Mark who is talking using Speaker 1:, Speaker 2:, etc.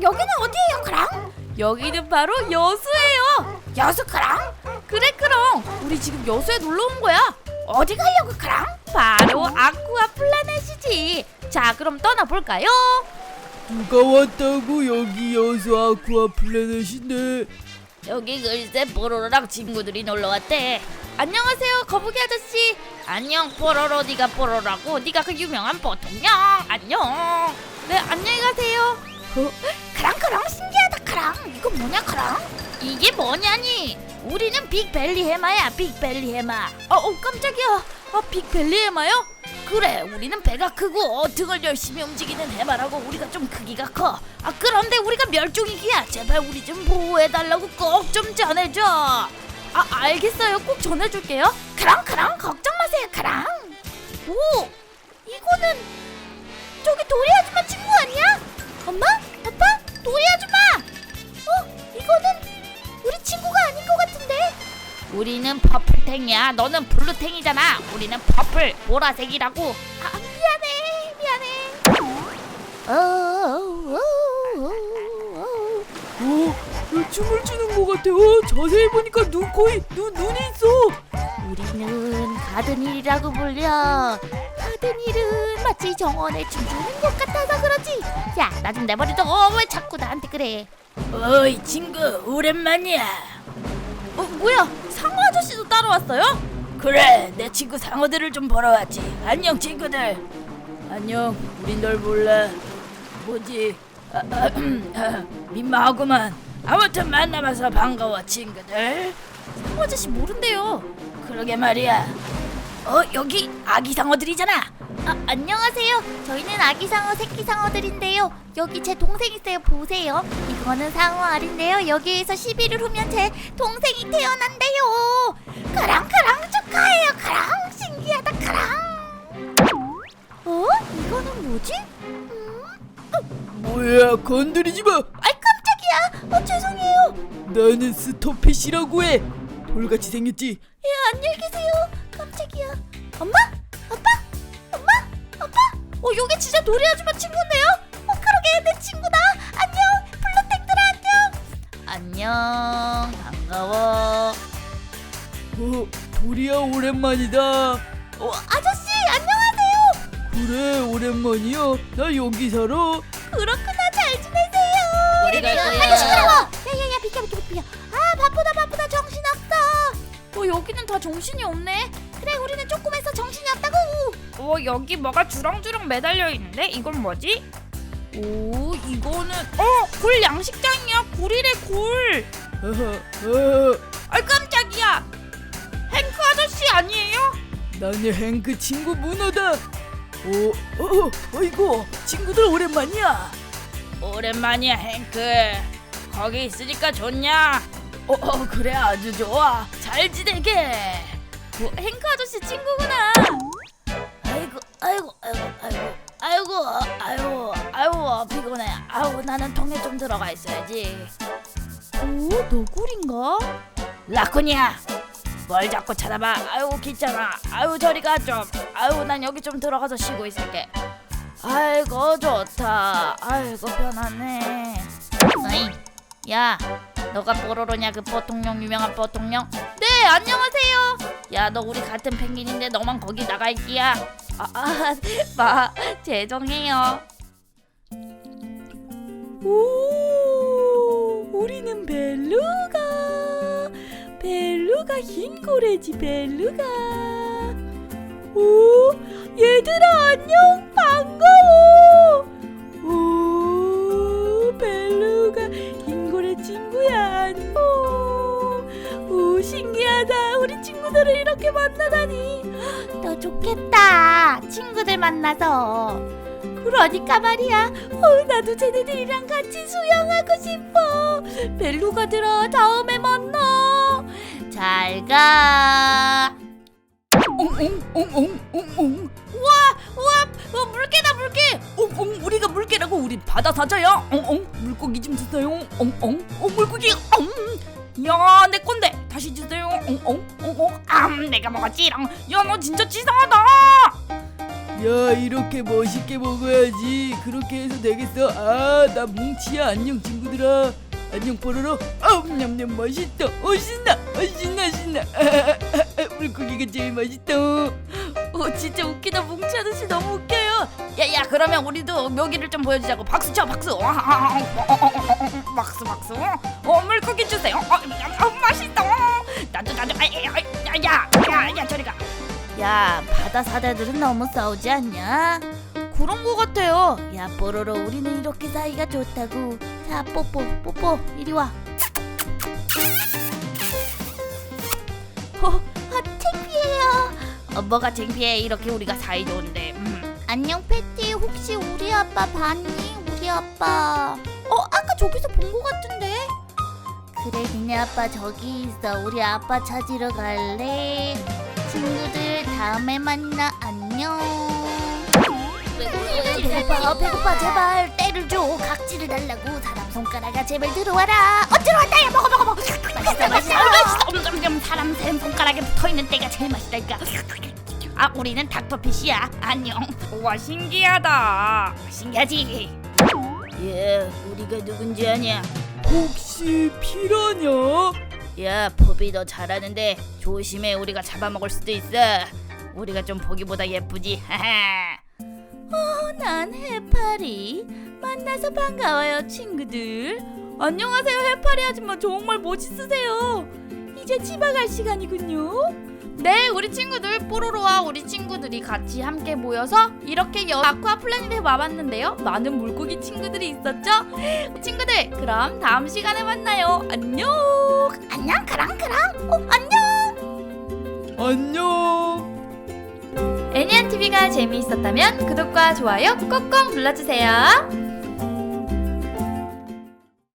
Speaker 1: 여기는 어디예요, 크랑?
Speaker 2: 여기는 바로 여수예요.
Speaker 1: 여수 크랑?
Speaker 2: 그래 크롱, 우리 지금 여수에 놀러 온 거야.
Speaker 1: 어디 가려고 크랑?
Speaker 2: 바로 아쿠아 플래닛이지. 자, 그럼 떠나볼까요?
Speaker 3: 누가 왔다고? 여기 여수 아쿠아 플래닛인데.
Speaker 2: 여기 글쎄 뽀로로랑 친구들이 놀러 왔대. 안녕하세요, 거북이 아저씨. 안녕 뽀로로. 네가 뽀로로라고? 네가 그 유명한 뽀통령. 안녕. 네, 안녕히 가세요.
Speaker 1: 크랑 신기하다 크랑. 이거 뭐냐 크랑?
Speaker 2: 이게 뭐냐니? 우리는 빅벨리 해마야. 빅벨리 해마. 깜짝이야. 빅벨리 해마요? 그래, 우리는 배가 크고 등을 열심히 움직이는 해마라고. 우리가 좀 크기가 커. 그런데 우리가 멸종위기야. 제발 우리 좀 보호해달라고 꼭 좀 전해줘. 알겠어요. 꼭 전해줄게요.
Speaker 1: 크랑 걱정 마세요 크랑.
Speaker 2: 오, 이거는 저기 도리 아줌마 친구 아니야? 엄마? 아빠? 도리 아줌마! 이거는 우리 친구가 아닌 것 같은데? 우리는 퍼플탱이야. 너는 블루탱이잖아. 우리는 퍼플, 보라색이라고. 미안해.
Speaker 3: 춤을 추는 것 같아. 자세히 보니까 눈이 있어.
Speaker 2: 우리는 가든힐이라고 불려. 가든힐은 마치 정원에 춤추는 것 같아서 그러지. 야, 나 좀 내버려둬. 왜 자꾸 나한테 그래?
Speaker 1: 어이 친구, 오랜만이야.
Speaker 2: 뭐야? 상어 아저씨도 따라왔어요?
Speaker 1: 그래, 내 친구 상어들을 좀 보러 왔지. 안녕 친구들. 안녕, 우린 널 몰라. 뭐지? 민망하구만. 아무튼 만나봐서 반가워 친구들.
Speaker 2: 상어 아저씨 모른대요.
Speaker 1: 그러게 말이야. 여기 아기 상어들이잖아.
Speaker 2: 안녕하세요. 저희는 아기 상어, 새끼 상어들인데요. 여기 제 동생 있어요. 보세요. 이거는 상어 알인데요. 여기에서 11일 후면 제 동생이 태어난대요.
Speaker 1: 크랑 축하해요 크랑. 신기하다 크랑.
Speaker 2: 이거는 뭐지?
Speaker 3: 뭐야, 건드리지 마.
Speaker 2: 깜짝이야. 죄송해요.
Speaker 3: 나는 스토핏이라고 해. 돌같이 생겼지.
Speaker 2: 안녕히 계세요. 깜짝이야. 엄마? 아빠? 여기 진짜 도리 아줌마 친구인데요? 그러게, 내 친구다. 안녕, 블루탱들아 안녕. 반가워.
Speaker 3: 도리야, 오랜만이다.
Speaker 2: 아저씨, 안녕하세요.
Speaker 3: 그래, 오랜만이야. 나 여기 살아.
Speaker 2: 그렇구나, 잘 지내세요.
Speaker 1: 우리 갈 거야.
Speaker 2: 아이고, 시끄러워. 야야야, 비켜. 바쁘다, 정신없어. 여기는 다 정신이 없네. 그래, 우리는 조그매서 정신이 없다고. 여기 뭐가 주렁주렁 매달려 있는데? 이건 뭐지? 이거는 굴 양식장이야. 굴이래, 굴. 깜짝이야. 행크 아저씨 아니에요?
Speaker 3: 나는 행크 친구 문어다. 어이구, 친구들 오랜만이야.
Speaker 1: 오랜만이야 행크. 거기 있으니까 좋냐? 그래, 아주 좋아. 잘 지내게.
Speaker 2: 행크 아저씨 친구구나.
Speaker 1: 아이고 피곤해. 나는 통에 좀 들어가 있어야지.
Speaker 2: 너구리인가?
Speaker 1: 라쿤이야, 뭘 자꾸 쳐다봐. 귀찮아. 저리 가 좀. 난 여기 좀 들어가서 쉬고 있을게. 아이고 좋다. 편하네.
Speaker 2: 어이, 야, 너가 뽀로로냐? 그 뽀통령, 유명한 뽀통령? 네, 안녕하세요. 야, 너 우리 같은 펭귄인데 너만 거기 나가 있기야. 죄송해요.
Speaker 3: 우리는 벨루가 흰 고래지. 벨루가. 얘들아, 안녕. 반가워. 벨루가 흰 고래 친구야. 안녕. 신기하다. 우리 친구들을 이렇게 만나다니.
Speaker 2: 너 좋겠다. 친구들 만나서.
Speaker 3: 그러니까 말이야. 나도 쟤네들이랑 같이 수영하고 싶어. 벨루가들아, 다음에 만나.
Speaker 2: 잘 가.
Speaker 3: 옹옹옹옹옹옹.
Speaker 2: 우와, 물개다, 물개.
Speaker 3: 우리가 물개라고. 우리 바다 사자야. 물고기 좀 주세요. 물고기.
Speaker 2: 야, 내 건데. 다시 주세요. 내가 먹었지롱. 야, 너 진짜 치사하다.
Speaker 1: 야, 이렇게 멋있게 먹어야지. 그렇게 해서 되겠어. 아, 나 뭉치야. 안녕 친구들아. 안녕 뽀로로. 냠냠 맛있다. 신나. 신나. 물고기가 제일 맛있다.
Speaker 2: 진짜 웃기다. 뭉치 아저씨 너무 웃겨요. 야야, 그러면 우리도 묘기를 좀 보여주자고. 박수 쳐, 박수. 박수. 물고기 주세요. 맛있다. 나도. 야, 저리 가. 야, 바다 사자들은 너무 싸우지 않냐? 그런 거 같아요. 야, 뽀로로, 우리는 이렇게 사이가 좋다고. 자, 뽀뽀, 이리 와. 창피해요. 뭐가 창피해? 이렇게 우리가 사이 좋은데. 안녕, 패티. 혹시 우리 아빠 봤니? 우리 아빠. 아까 저기서 본 거 같은데? 그래, 니네 아빠 저기 있어. 우리 아빠 찾으러 갈래? 친구들, 다음에 만나. 안녕. 배고파. 제발 때를 줘. 각질을 달라고. 사람 손가락아, 제발 들어와라. 들어왔다. 야, 먹어. 맛있어. 사람 샘 손가락에 붙어있는 때가 제일 맛있다니까. 우리는 닥터피쉬야. 안녕. 와, 신기하다. 신기하지?
Speaker 1: 예, 우리가 누군지 아냐? 혹시 피라냐?
Speaker 2: 야, 포비, 너 잘하는데 조심해. 우리가 잡아먹을 수도 있어. 우리가 좀 보기보다 예쁘지. 난 해파리. 만나서 반가워요, 친구들. 안녕하세요, 해파리 아줌마. 정말 멋있으세요. 이제 집에 갈 시간이군요. 네, 우리 친구들, 뽀로로와 우리 친구들이 같이 함께 모여서 이렇게 아쿠아 플래닛에 와봤는데요. 많은 물고기 친구들이 있었죠? 친구들, 그럼 다음 시간에 만나요. 안녕. 그랑.
Speaker 1: 안녕.
Speaker 2: 애니안TV가 재미있었다면 구독과 좋아요 꼭꼭 눌러주세요.